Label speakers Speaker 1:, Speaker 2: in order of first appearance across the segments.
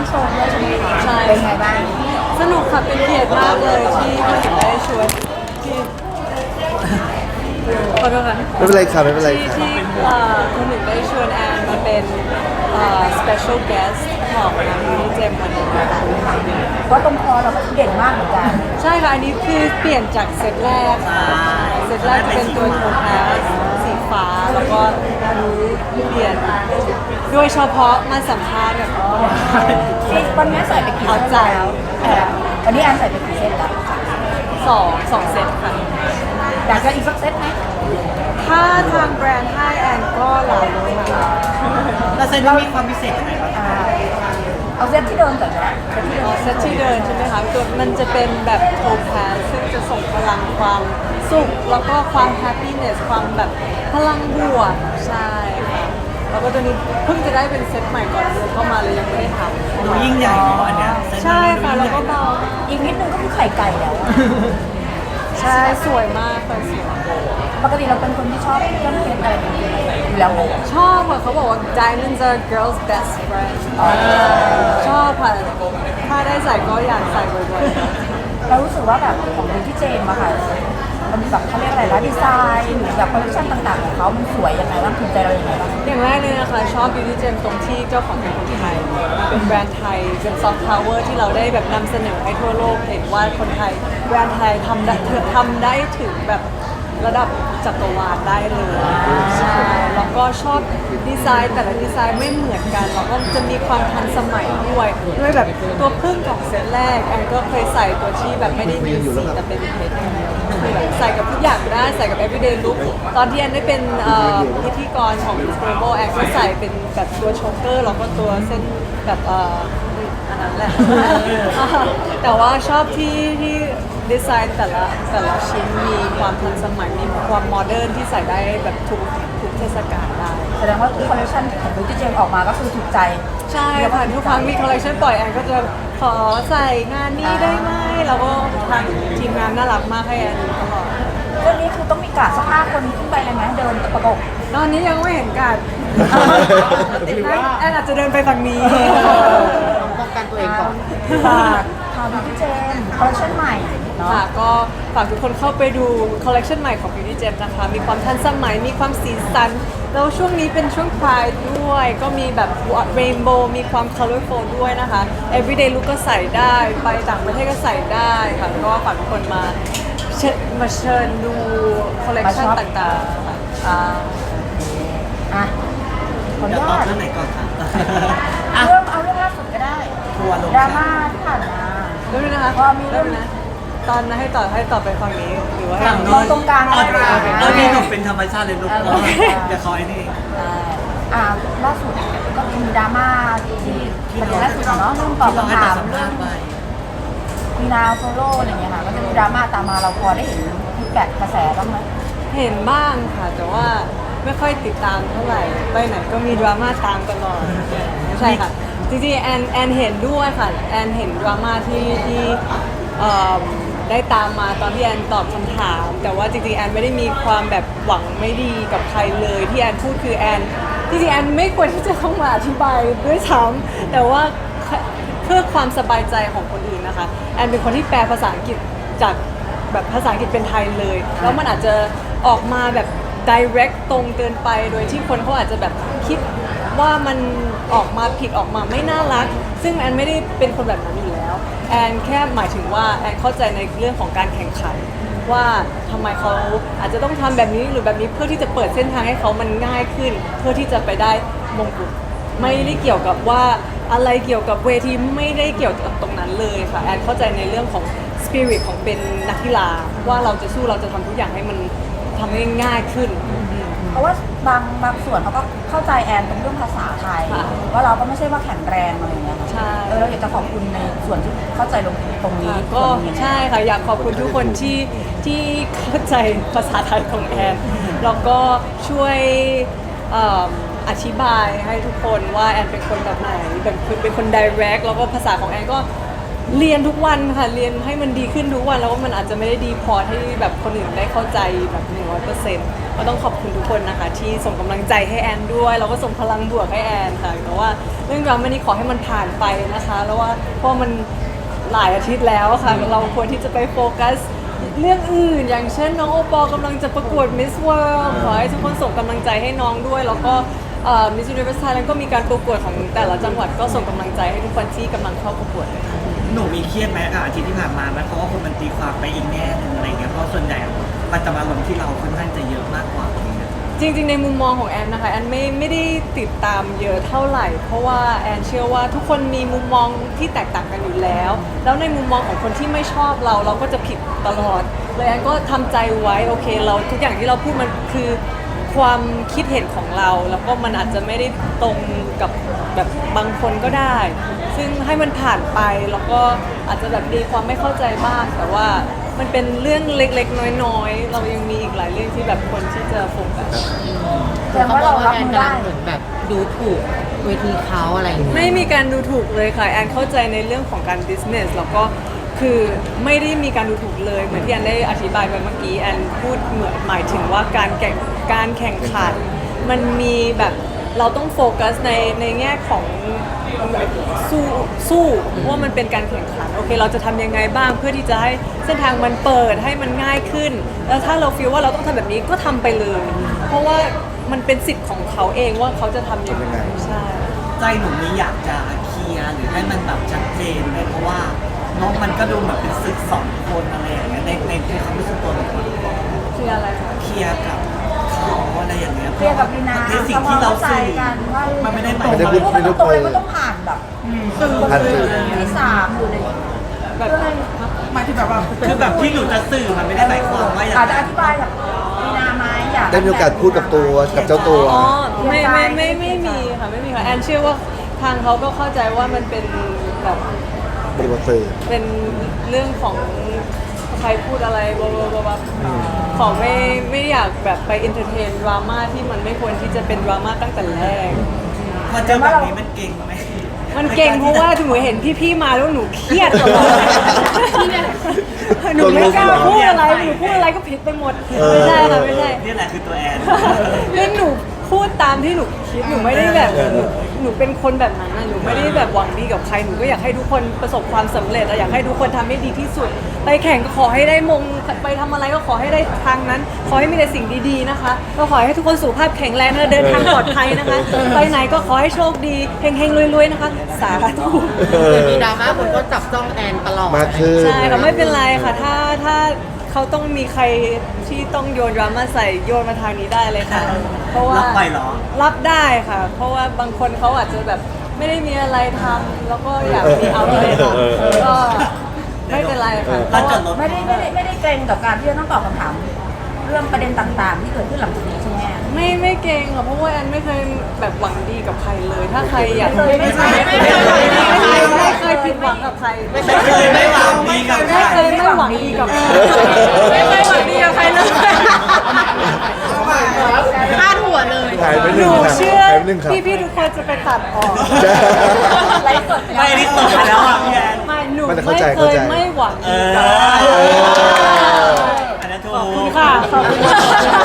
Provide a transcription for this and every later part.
Speaker 1: โชว์ด้วยใช่ไหมคะ
Speaker 2: ใช่
Speaker 1: เป็นไงบ้าง
Speaker 2: สนุกค่ะเป็นเกียรติมากเลยที่คุณได้ชวนที่ขอโทษค่ะ
Speaker 3: ไม่เป็นไรค่ะไม่เป็นไร
Speaker 2: ที่
Speaker 3: ค่ะ
Speaker 2: ที่คุณหนึ่งได้ชวนแอนมาเป็นspecial guest ของงานนี้เจมวันนี้นะคะ
Speaker 1: เพราะตรงคอเราก็เด่นมากเหมือนกัน
Speaker 2: ใช่ค่ะอันนี้คือเปลี่ยนจากเซตแรกค่ะเซตแรกจะเป็นตัวโทแพสสีฟ้าแล้วก็อันนี้เปลี่ยนโดยเฉพาะมาสัมภาษณ์แบบ
Speaker 1: ที่วันนี้ใส่ไปกี่เส้นแล้ววันนี้แอนใส่ไปกี่เส้นแล้ว
Speaker 2: สองเซตค่ะ
Speaker 1: อยากจะอีกสักเซตไหม
Speaker 2: ถ้าทางแบรนด์ให้แอนก็หลายเลยค่ะ
Speaker 4: แล้วเซนต์มีความพิเศษยังไงบ้าง
Speaker 1: เอาเซตที่เดิมก่อนนะเซตที่เดิม
Speaker 2: เซตที่เดินใช่ไหมคะตัวมันจะเป็นแบบโทแพสซึ่งจะส่งพลังความสุขแล้วก็ความแฮปปี้เนสความแบบพลังบวกใช่ค่ะแล้วก็ตัวนี้เพิ่งจะได้เป็นเซตใหม่ก่อนเดินเข้ามาเลยยังไม่ได้ท
Speaker 4: ดูยิ่งใหญ่เนาะอันเนี้ย
Speaker 2: ำใช่ค่ะแล้วก็เบา
Speaker 1: อีกนิดนึงก็คือไข่ไก่แล้วอะ
Speaker 2: ใช่สวยมากค่ะสวย
Speaker 1: ปกติเราเป็นคนที่ชอบเครื่องเพชรอะไรแบบนี้อยู่แล้วไหม
Speaker 2: ชอบค่ะเขาบอกว่า diamonds are girls best friend ชอบค่ะถ้าได้ใส่ก็อยากใส่บ่อยๆ
Speaker 1: เรารู้สึกว่าแบบของที่เจมอะค่ะมันแบบเขาเรียกอะไรนะดีไซน์หรือแบบคอลเลคชันต่างๆของเขามันสวยยังไงบ้างถูกใจเรายังไงบ้าง
Speaker 2: อย่างแรกเลยนะคะชอบ Beauty Gem ตรงที่เจ้าของเป็นคนไทย เป็นแบรนด์ไทย เป็นซอฟต์พาวเวอร์ที่เราได้แบบนำเสนอให้ทั่วโลกเห็นว่าคนไทย แบรนด์ไทยทำได้ถึงแบบระดับจักรวาลได้เลยใช่แล้วก็ชอบดีไซน์แต่ละดีไซน์ไม่เหมือนกันแล้วก็จะมีความทันสมัยด้วยแบบตัวพึ่งของเซตแรกแอนก็เคยใส่ตัวที่แบบไม่ได้มีสีแต่เป็นเพชรอย่างเดียวคือแบบใส่กับทุกอย่างได้ใส่กับ everyday look ตอนที่แอนได้เป็นพิธีกรของ Inspirable แอนก็ใส่เป็นแบบตัวโชเกอร์แล้วก็ตัวเส้นแบบอันนั้นแหละ แต่ว่าชอบที่ดีไซน์แต่ละชิ้นมีความทันสมัยมีความโมเดิร์นที่ใส่ได้แบบทุกเทศกาลได้
Speaker 1: แสดงว่าคอลเลคชันของบิวตี้เจมออกมาก็คือถูกใจ
Speaker 2: ใช่ค่ะทุกครั้งมีคอลเลคชันปล่อยแอนก็จะขอใส่งานนี้ได้ไหมแล้วก็ทางทีมงานน่ารักมากให้แอนตลอด
Speaker 1: เรื่องนี้คือต้องมีกาดสัก5 คนขึ้นไปเลยไหมเดินประกบ
Speaker 2: ตอนนี้ยังไม่เห็นกันแอนอาจจะเดินไปฝั่งนี้
Speaker 3: ป้องกันตัวเองก่อน
Speaker 1: ฝากบิวตี้เจมคอลเลคชันใหม่เนาะ
Speaker 2: ค่ะก็ฝากทุกคนเข้าไปดูคอลเล t ชันใหม่ของ Beauty Gem นะคะ มีความทันสมัย มีความสีสัน แล้วช่วงนี้เป็นช่วง Pride ด้วย ก็มีแบบ Rainbow มีความ Colorful ด้วยนะคะ Everyday Look ก็ใส่ได้ ไปต่างประเทศก็ใส่ได้ค่ะ ก็ฝากทุกคนมาเชิญดูคอลเล t ชันต่างๆค่ะ
Speaker 1: อ่ะขออ
Speaker 4: เดี๋
Speaker 1: นุ
Speaker 4: ยวตอบ
Speaker 1: ญาต
Speaker 4: เรื่องไหนก่อนครับ
Speaker 1: เอาเรื่องล่าสุดก็ได้
Speaker 4: ทัวร์ลง
Speaker 1: ดราม่าที่ผ่านมา
Speaker 2: เริ่มเลยนะคะ
Speaker 1: ว่ามีเรื่อง
Speaker 2: เริ่มเลยนะ ตอนนั้นให้ต่อไปฝั่งนี้ หรือว่า
Speaker 4: ฝั่ง
Speaker 1: ม
Speaker 4: โน้
Speaker 1: องตรงกลาง
Speaker 4: เอา
Speaker 1: อะไรอย่างเงี้ย
Speaker 4: เอาที่หนูเป็นธรรมชาติเลยลูก
Speaker 1: โอเค
Speaker 4: เดี๋ยวเขาไอ้นี่
Speaker 1: ล่าสุดก็มีดราม่าที่ประเด็นล่าสุดเนาะเรื่องตอบ
Speaker 4: ที่เราให้
Speaker 1: คำ
Speaker 4: ตั
Speaker 1: ถา
Speaker 4: ด
Speaker 1: ม
Speaker 4: สัม
Speaker 1: เรื่
Speaker 4: ภา
Speaker 1: อง
Speaker 4: ษณ์ไป
Speaker 1: มีนาโซโล่อะไรเงี้ยค่ะก็จะมีดราม่าตามมาเราพอได้เห็นฟีดแบ็กกระแสบ้างไหม
Speaker 2: เห็นบ้างค่ะ แต่ว่าไม่ค่อยติดตามเท่าไหร่ ไปไหนก็มีดราม่าตามตลอดใช่ค่ะ จริงๆแอนเห็นด้วยค่ะ แอนเห็นดราม่าที่เอ่อได้ตามมาตอนที่แอนตอบคำถาม แต่ว่าจริงๆแอนไม่ได้มีความแบบหวังไม่ดีกับใครเลยที่แอนพูดคือแอนจริงๆแอนไม่ควรที่จะต้องมาอธิบายด้วยซ้ำแต่ว่าเพื่อความสบายใจของคนอื่นนะคะแอนเป็นคนที่แปลภาษาอังกฤษจากแบบภาษาอังกฤษเป็นไทยเลยแล้วมันอาจจะออกมาแบบ direct ตรงเกินไปโดยที่คนเขาอาจจะแบบคิดว่ามันออกมาผิดออกมาไม่น่ารัก ซึ่งแอนไม่ได้เป็นคนแบบนั้นอยู่แล้วแอนแค่หมายถึงว่าแอนเข้าใจในเรื่องของการแข่งขัน ว่าทำไมเขาอาจจะต้องทำแบบนี้หรือแบบนี้เพื่อที่จะเปิดเส้นทางให้เขามันง่ายขึ้น เพื่อที่จะไปได้มงกุฎไม่ได้เกี่ยวกับว่าอะไรเกี่ยวกับเวทีไม่ได้เกี่ยวกับตรงนั้นเลยค่ะแอนเข้าใจในเรื่องของสปิริตของเป็นนักกีฬาว่าเราจะสู้เราจะทำทุกอย่างให้มันทำให้ง่ายขึ้น
Speaker 1: เพราะว่าบางส่วนเขาก็เข้าใจแอนตรงเรื่องภาษาไทย
Speaker 2: ค่ะ
Speaker 1: ว่าเราก็ไม่ใช่ว่าแข็งแรงอะไรเงี้ยค่ะ
Speaker 2: ใช่
Speaker 1: เราอยากจะขอบคุณในส่วนที่เข้าใจตรงนี้
Speaker 2: ก็
Speaker 1: ส่วนนี้
Speaker 2: ใช่ค่ะอยากขอบคุณทุกคนที่เข้าใจภาษาไทยของแอนแล้วก็ช่วยอธิบายให้ทุกคนว่าแอนเป็นคนแบบไหนเป็นคน direct แล้วก็ภาษาของแอนก็เรียนทุกวันค่ะเรียนให้มันดีขึ้นทุกวันแล้วว่ามันอาจจะไม่ได้ดีพอให้แบบคนอื่นได้เข้าใจแบบ100%ก็ต้องขอบคุณทุกคนนะคะ ที่ส่งกำลังใจให้แอนด้วยแล้วก็ส่งพลังบวกให้แอนค่ะแต่ว่าเรื่องดราม่านี้ขอให้มันผ่านไปนะคะ แล้วว่าเพราะมันหลายอาทิตย์แล้วค่ะเราควรที่จะไปโฟกัสเรื่องอื่น อย่างเช่นน้องโอปอลกำลังจะประกวด Miss World ขอให้ทุกคนส่งกำลังใจให้น้องด้วย แล้วก็Miss Universe Thailand ก็มีการประกวดของแต่ละจังหวัดก็ส่งกำลังใจให้ทุกคนที่กำลังเข้าประกวดเลยค่ะ
Speaker 4: หนูมีเครียดไหมอาทิตย์ที่ผ่านมาไหมเพราะว่าคนมันตีความไปอีกแง่หนึงอะไรเงี้ยเพราะส่วนใหญ่มันจะมาลงที่เราค่อนข้างจะเยอะมากกว่าอะไรเงี้ย
Speaker 2: จริงๆในมุมมองของแอนนะคะแอนไม่ได้ติดตามเยอะเท่าไหร่ เพราะว่าแอนเชื่อว่าทุกคนมีมุมมองที่แตกต่างกันอยู่แล้ว แล้วในมุมมองของคนที่ไม่ชอบเราก็จะผิดตลอดเลยแอนก็ทำใจไว้โอเคเราทุกอย่างที่เราพูดมันคือความคิดเห็นของเรา แล้วก็มันอาจจะไม่ได้ตรงกับแบบบางคนก็ได้ ซึ่งให้มันผ่านไปแล้วก็อาจจะแบบมีความไม่เข้าใจบ้างแต่ว่ามันเป็นเรื่องเล็กๆน้อยๆเรายังมีอีกหลายเรื่องที่แบบคนที่จะโฟกัส
Speaker 1: แสดงว่าเรารับมือได้
Speaker 3: เหมือนแบบดูถูกเวทีเขาอะไรอย่างเงี้ย
Speaker 2: ไม่มีการดูถูกเลยค่ะแอนเข้าใจในเรื่องของการ business แล้วก็คือไม่ได้มีการดูถูกเลยเหมือนที่แอนได้อธิบายไปเมื่อกี้แอนพูดเหมือนหมายถึงว่าการแข่งขันมันมีแบบเราต้องโฟกัสในแง่ของสู้ว่ามันเป็นการแข่งขันโอเคเราจะทำยังไงบ้างเพื่อที่จะให้เส้นทางมันเปิดให้มันง่ายขึ้น แล้วถ้าเราฟีลว่าเราต้องทำแบบนี้ก็ทำไปเลย เพราะว่ามันเป็นสิทธิ์ของเขาเองว่าเขาจะทำยังไงใช่
Speaker 4: ใจหนูมีอยากจะเคลียร์หรือให้มันแบบชัดเจนเลยเพราะว่าน้องมันก็ดูแบบเป็นศึกสองคนอะไรอย่างเงี้ยในความรู้สึกตัวหนู
Speaker 2: คืออะไรคะ
Speaker 4: เคลียร์กับเขาอะไรอย่างเงี้ย
Speaker 1: เคลียร์กับลีนา
Speaker 4: ในสิ่งที่เราสื่อ
Speaker 1: กันว่า
Speaker 4: มันไม่ได้หมาย
Speaker 3: ไม่ได้
Speaker 4: ความ
Speaker 3: พูด
Speaker 1: มันต้องตรงเลยมันต้องผ่านแบบสื่อ
Speaker 3: ผ่านสื่อ
Speaker 1: ที่สามหรืออะไร
Speaker 2: แบบ
Speaker 1: เพื่อให้
Speaker 4: คือแบบที่หนูจะสื่อมันไม่ได้หมายความว่าอย่าง
Speaker 1: อาจจะอ
Speaker 4: นั้น
Speaker 1: ธิบายกับลีนาไหมอยาก
Speaker 3: ได้มีโอกาสพูดกับตัวกับเจ้าตัว
Speaker 2: อ๋อไม่มีค่ะไม่มีค่ะแอนเชื่อว่าทางเขาก็เข้าใจว่ามันเป็นแบบ
Speaker 3: บริบทสื่อ
Speaker 2: เป็นเรื่องของใครพูดอะไรบลาขอไม่อยากแบบไปอินเตอร์เทนดราม่าที่มันไม่ควรที่จะเป็นดราม่าตั้งแต่แรก
Speaker 4: พอเจอแบบนี้มันเก่งไหม
Speaker 2: มันเก่งเพราะว่าหนูเห็นพี่ๆมาแล้วหนูเครียดตลอดหนูไม่กล้าพูดอะไรหนูพูดอะไรก็ผิดไปหมดไม่ใช่ค่ะไม่ใช่
Speaker 4: นี่แหละคือตัวแอน
Speaker 2: เรื่องหนูพูดตามที่หนูคิดหนูไม่ได้แบบหนูเป็นคนแบบนั้นนะหนูไม่ได้แบบหวังดีกับใครหนูก็อยากให้ทุกคนประสบความสำเร็จอยากให้ทุกคนทำให้ดีที่สุด ไปแข่งก็ขอให้ได้มงไปทำอะไรก็ขอให้ได้ทางนั้น ขอให้มีแต่สิ่งดีๆนะคะก็ขอให้ทุกคนสุขภาพแข็งแรงและเดินทางปลอดภัยนะคะ ไปไหนก็ขอให้โชคดีเฮงๆรวยๆนะคะสาธุ
Speaker 3: มี
Speaker 5: ดราม่าคนก็จับจ้องแอนตลอด
Speaker 3: มากขึ้น
Speaker 2: ใช่ค่ะไม่เป็นไรค่ะถ้าเขาต้องมีใครที่ต้องโยนดราม่าใส่โยนมาทางนี้ได้เลยค่ะ เพราะว่า
Speaker 4: รับไปเหรอ
Speaker 2: รับได้ค่ะ เพราะว่าบางคนเขาอาจจะแบบไม่ได้มีอะไรทำแล้วก็อยากมีเอาเลยค่ะก็ไม่เป็นไรค่ะ
Speaker 4: ร้านจอดรถ
Speaker 1: ไม่ได้เกรงกับการที่จะต้องตอบคำถามเรื่องประเด็นต่างๆ ที่เกิดขึ้นหลังจากนี้ใช่ไหม
Speaker 2: ไม่เก่งค่ะเพราะว่าแอนไม่เคยแบบหวังดีกับใครเลย ถ้าใครอยาก
Speaker 1: ไม่เคย
Speaker 2: ไม่เคยผิดหวังกับใคร
Speaker 4: ไม่เคยไม่หวังดีกับใคร
Speaker 2: ไม่เคยไม่หวังดีกับใครไม่เคยหวังดีกับใครเลย
Speaker 5: พลาดหัวเลย
Speaker 3: หายไปห
Speaker 2: ห
Speaker 3: นึ่ง
Speaker 2: นู
Speaker 3: ครับ
Speaker 2: เชื่อ
Speaker 3: หายไปหนึ่งครับ
Speaker 2: พี่ๆทุกคนจะไปตัดออก
Speaker 1: ไลฟ์สด
Speaker 4: ไม่ได้ตกไปแล้วอ่ะพี่แอน
Speaker 2: ไม่หนู
Speaker 3: มัน
Speaker 2: ไม่
Speaker 3: เข้าใจ
Speaker 2: เค
Speaker 3: เข้าย ใจ
Speaker 2: ไม่หวัง
Speaker 4: เอ
Speaker 2: ดี
Speaker 4: อ
Speaker 2: กับใคร
Speaker 4: อันนั้นถู
Speaker 2: ขอบคุณ
Speaker 4: ก
Speaker 2: ค่ะขอบคุณค่ะ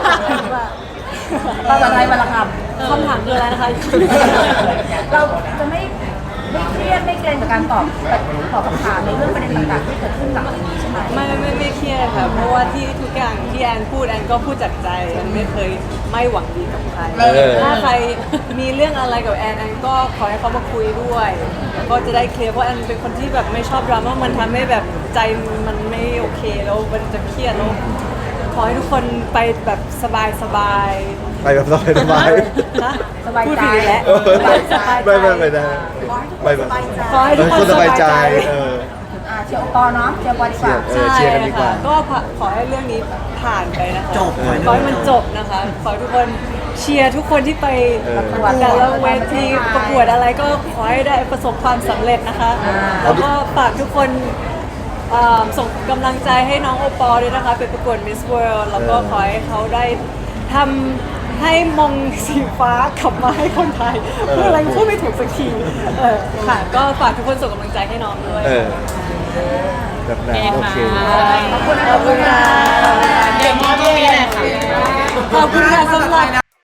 Speaker 1: ภาษาไทยวันละค
Speaker 2: คำถามคืออะไรนะคะ
Speaker 1: ำเราจะไม่เครียดไม่เกรงกับการตอบคำถามในเรื่องประเด็นต่างๆที่เกิดขึ้นหลังจากนี้ใช่ไหม
Speaker 2: ไม่เครียดค่ะ เพราะว่าที่ทุกอย่างที่แอนพูดแอนก็พูดจากใจแอนไม่เคยไม่หวังดีกับใคร ถ้าใครมีเรื่องอะไรกับแอนก็ขอให้เขามาคุยด้วยแล้วก็จะได้เคลียร์เพราะแอนเป็นคนที่แบบไม่ชอบดราม่ามันทำให้แบบใจมันไม่โอเคแล้วมันจะเครียดแล้วขอให้ทุกคนไปแบบสบายๆ
Speaker 3: ไปแบบสบายสบาย
Speaker 2: ฮะ
Speaker 1: สบายใจ
Speaker 2: พูดผิดอีกแล้ว
Speaker 3: ไม่ได้ไม่แบบ
Speaker 2: ขอให้ทุกคน
Speaker 3: สบายใจ
Speaker 2: เออ
Speaker 1: เชียร์โอปอเนาะเชียร์บอลดีกว่า
Speaker 3: เชียร์กันดีกว่า
Speaker 2: ก็ขอให้เรื่องนี้ผ่านไปนะคะ
Speaker 4: จบ
Speaker 2: ขอให้มันจบนะคะ ขอให้ทุกคนเชียร์ทุกคนที่ไปประกวดแต่ละเวทีประกวดอะไรก็ขอให้ได้ประสบความสำเร็จนะคะ แล้วก็ฝากทุกคนส่งกำลังใจให้น้องโอปอล์ด้วยนะคะไปประกวด Miss World แล้วก็ขอให้เขาได้ทำให้มงสีฟ้ากลับมาให้คนไทยเพื่ออะไรพูดไม่ถูกสักทีค่ะก็ฝากทุกคนส่งกำลังใจให้น้องด้วย
Speaker 3: แบบนั้นโอเค
Speaker 2: ขอบคุณค่ะ